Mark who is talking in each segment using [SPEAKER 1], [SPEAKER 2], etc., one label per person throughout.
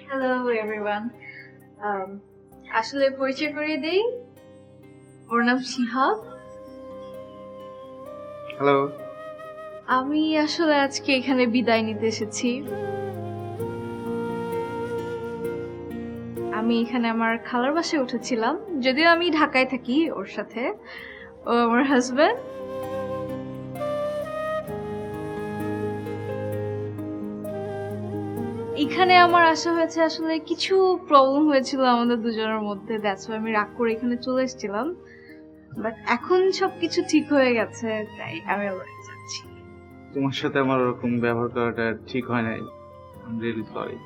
[SPEAKER 1] Hello everyone. আসলে পরিচয় করিয়ে দেই, ওর নাম শিহাব।
[SPEAKER 2] হ্যালো।
[SPEAKER 1] আমি আসলে আজকে এখানে বিদায় নিতে এসেছি। আমি এখানে আমার খালার বাসায় উঠেছিলাম, যদিও আমি ঢাকায় থাকি ওর সাথে। ও আমার হাজবেন্ড। এখানে আমার আসা হয়েছে আসলে কিছু প্রবলেম হয়েছিল আমাদের দুজনের মধ্যে, দ্যাটস ওয়াই আমি রাগ করে এখানে চলে এসেছিলাম। বাট এখন সবকিছু ঠিক হয়ে গেছে, তাই আমি আবার যাচ্ছি।
[SPEAKER 2] তোমার সাথে আমার ওরকম ব্যবহার করাটা ঠিক হয় নাই। I am really sorry.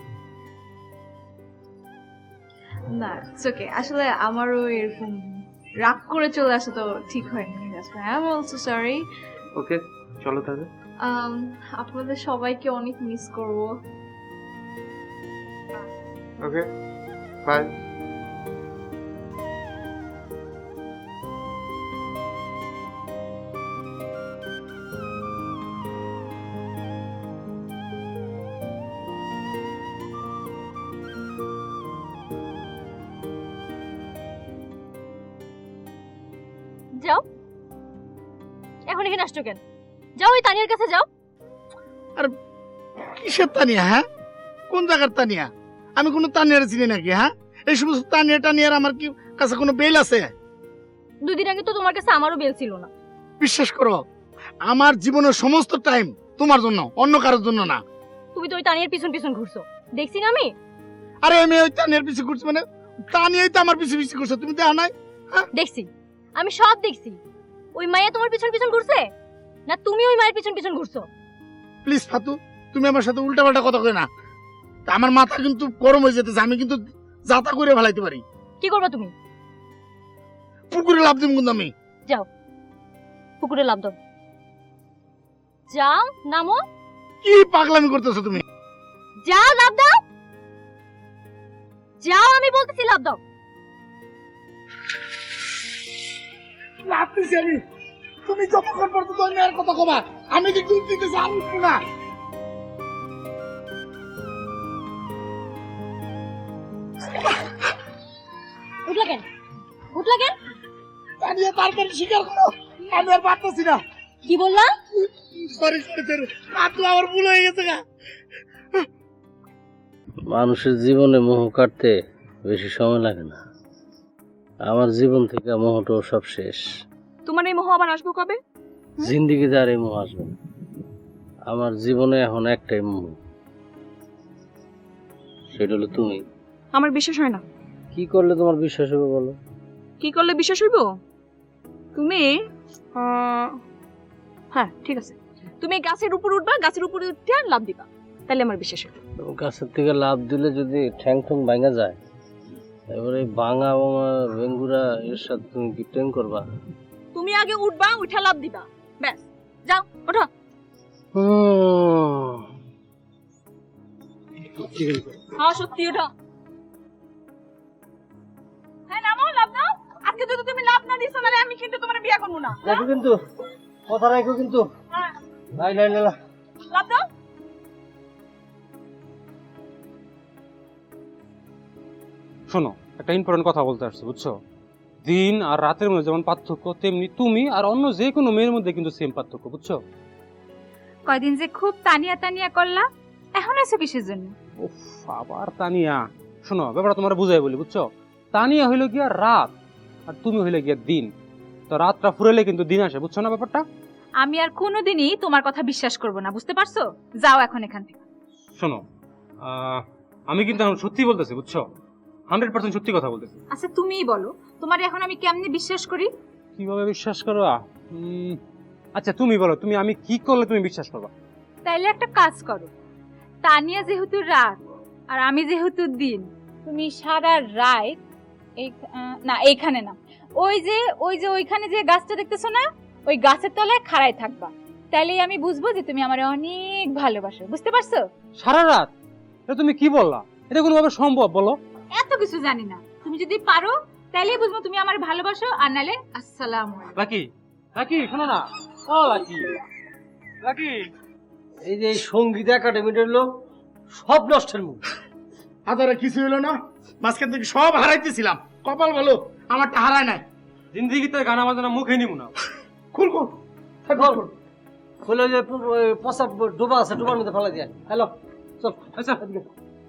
[SPEAKER 1] না, ইটস ওকে। আসলে আমারও এরকম রাগ করে চলে আসা তো ঠিক হয়নি। That's why I am also sorry.
[SPEAKER 2] Okay, চলো তাহলে।
[SPEAKER 1] আপনাদের সবাইকে অনেক মিস করব।
[SPEAKER 2] Okay, bye.
[SPEAKER 3] যাও, এখন এখানে আসছো কেন? যাও, ওই তানিয়ার কাছে যাও।
[SPEAKER 4] কিসের তানিয়া? হ্যাঁ, কোন জায়গার তানিয়া? আমি কোনো তানিয়ার চিনি নাকি? হ্যাঁ, এই সমস্ত তানিয়ার আমার কি কাছে কোনো বেল আছে?
[SPEAKER 3] 2 দিন আগে তো তোমার কাছে আমারও বেল ছিল না।
[SPEAKER 4] বিশ্বাস করো, আমার জীবনের সমস্ত টাইম তোমার জন্য, অন্য কারোর জন্য না।
[SPEAKER 3] তুমি তো ওই তানিয়ার পিছন পিছন ঘুরছো, দেখছি না আমি।
[SPEAKER 4] আরে আমি ওই তানিয়ার পিছু ঘুরছি মানে তানিয়াই তো আমার পিছু পিছু ঘুরছো, তুমি দেখো নাই?
[SPEAKER 3] দেখছি, আমি সব দেখছি। ওই মাইয়া তোমার পিছন পিছন ঘুরছে না তুমি ওই মায়ের পিছন পিছন ঘুরছো?
[SPEAKER 4] প্লিজ ফাতু, তুমি আমার সাথে উল্টাপাল্টা কথা কই না। তা আমার মাথা কিন্তু গরম হয়ে যেতেছে, আমি কিন্তু যাতা করে ফেলাইতে পারি।
[SPEAKER 3] কি করবা তুমি?
[SPEAKER 4] পুকুরে লাভ দিব কিন্তু আমি।
[SPEAKER 3] যাও, পুকুরে লাফ দাও। যাও, নামো।
[SPEAKER 4] কি পাগলামি করতেছো তুমি?
[SPEAKER 3] যাও, লাফ দাও। যাও, আমি বলতেছি লাফ দাও।
[SPEAKER 4] লাভ দিছি আমি। তুমি যতক্ষণ পর্যন্ত অন্যায়ের কথা কবা, আমি যে দুধ দিতেছি আমি উঠবো না।
[SPEAKER 3] উঠলা কেন? উঠলা কেন?
[SPEAKER 4] তানিয়া তাড়াতাড়ি স্বীকার করো, আমি আর পারতেছি না।
[SPEAKER 3] কি বললা?
[SPEAKER 4] সরি সরি সরি, আপনি আমার ভুল হয়ে গেছে গা।
[SPEAKER 5] মানুষের জীবনে মোহ কাটতে বেশি সময় লাগে না। আমার জীবন থেকে মোহটাও সব শেষ।
[SPEAKER 3] তোমার এই মোহ আবার আসবো কবে?
[SPEAKER 5] জিন্দিগিতে আর এই মোহ আসবে না। আমার জীবনে এখন একটাই মোহ, সেটা হলো তুমি।
[SPEAKER 3] আমার বিশ্বাস হয় না।
[SPEAKER 5] কি করলে তোমার বিশ্বাস হবে বলো?
[SPEAKER 3] কি করলে বিশ্বাস হইব? তুমি হ্যাঁ ঠিক আছে, তুমি গাছের উপর উঠবা, গাছের উপরে উঠে লাফ দিবা, তাহলে আমার বিশ্বাস হবে।
[SPEAKER 5] তুমি গাছের থেকে লাফ দিলে যদি ঠ্যাং ঠ্যাং ভাঙা যায়, এবারে ভাঙা ভাঙা বেঙ্গুরা এর সাথে তুমি কি ট্রেন করবা?
[SPEAKER 3] তুমি আগে উঠবা, উঠে লাফ দিবা, ব্যাস। যাও, ওঠো। হ্যাঁ সত্যি ওঠো। হ্যাঁ নামো, লাফ দাও। আজকে যদি তুমি লাফ না দিছো তাহলে আমি কিন্তু তোমার বিয়ে করব না।
[SPEAKER 5] দেখো কিন্তু কথা রাখো কিন্তু।
[SPEAKER 3] হ্যাঁ,
[SPEAKER 5] নাই নাই না,
[SPEAKER 3] লাফ দাও।
[SPEAKER 6] শোনো, একটা ইম্পর্টেন্ট কথা বলতে আসছি, বুঝছো? দিন আর রাতের মধ্যে যেমন পার্থক্য, তেমনি তুমি আর অন্য যে কোনো মেয়ের মধ্যে কিন্তু সেম পার্থক্য, বুঝছো?
[SPEAKER 7] কয়দিন যে খুব তানিয়া তানিয়া করলা, এখন এসে কিসের জন্য?
[SPEAKER 6] উফ, আবার তানিয়া। শোনো, ব্যাপারটা তোমার বুঝাই বলি, বুঝছো? তানিয়া হইলো গিয়া রাত আর তুমি হইলে গিয়া দিন। তো রাতটা ফুরাইলে কিন্তু দিন আসে, বুঝছো না ব্যাপারটা?
[SPEAKER 7] আমি আর কোনোদিনই তোমার কথা বিশ্বাস করব না, বুঝতে পারছো? যাও এখন এখান থেকে।
[SPEAKER 6] শোনো, আমি কিন্তু এখন সত্যি বলতেছি, বুঝছো? 100% সত্যি কথা বলতেছি।
[SPEAKER 7] আচ্ছা তুমিই বলো, তোমার এখন আমি কেমনে বিশ্বাস করি?
[SPEAKER 6] কিভাবে বিশ্বাস করবা? আচ্ছা তুমি বলো, তুমি আমি কি করলে তুমি বিশ্বাস করবা?
[SPEAKER 7] তাইলে একটা কাজ করো, তানিয়া যেহেতু রাত আর আমি যেহেতু দিন, তুমি সারা রাত না এইখানে না, ওই যে ওইখানে যে গাছটা দেখতেছো না, ওই গাছের তলায় খাড়াই থাকবা। তাইলেই আমি বুঝবো যে তুমি আমারে অনেক ভালোবাসো, বুঝতে পারছো?
[SPEAKER 6] সারা রাত? এটা তুমি কি বললা? এটা কোনোভাবে সম্ভব বলো?
[SPEAKER 7] এত কিছু জানি না, তুমি যদি পারো তাইলেই বুঝবো তুমি আমার ভালোবাসো, আর নালে আসসালামু আলাইকুম।
[SPEAKER 6] লাকি, লাকি শোনো না। ও লাকি, লাকি।
[SPEAKER 5] এই যে সঙ্গীত একাডেমিটার লোক সব নষ্টের মুখ।
[SPEAKER 4] হাজারে কিছু হইলো না, মাঝখান থেকে সব হারাইতেছিলাম, কপাল ভালো আমারটা হারায় নাই।
[SPEAKER 6] জিন্দিগিতে গানা বাজানা মুখে নিব না।
[SPEAKER 4] খুল খুল
[SPEAKER 5] খুল। খুলে যে পচাপ ডোবা আছে, ডোবার মধ্যে ফেলা দিয়ে। হ্যালো চল।
[SPEAKER 6] আচ্ছা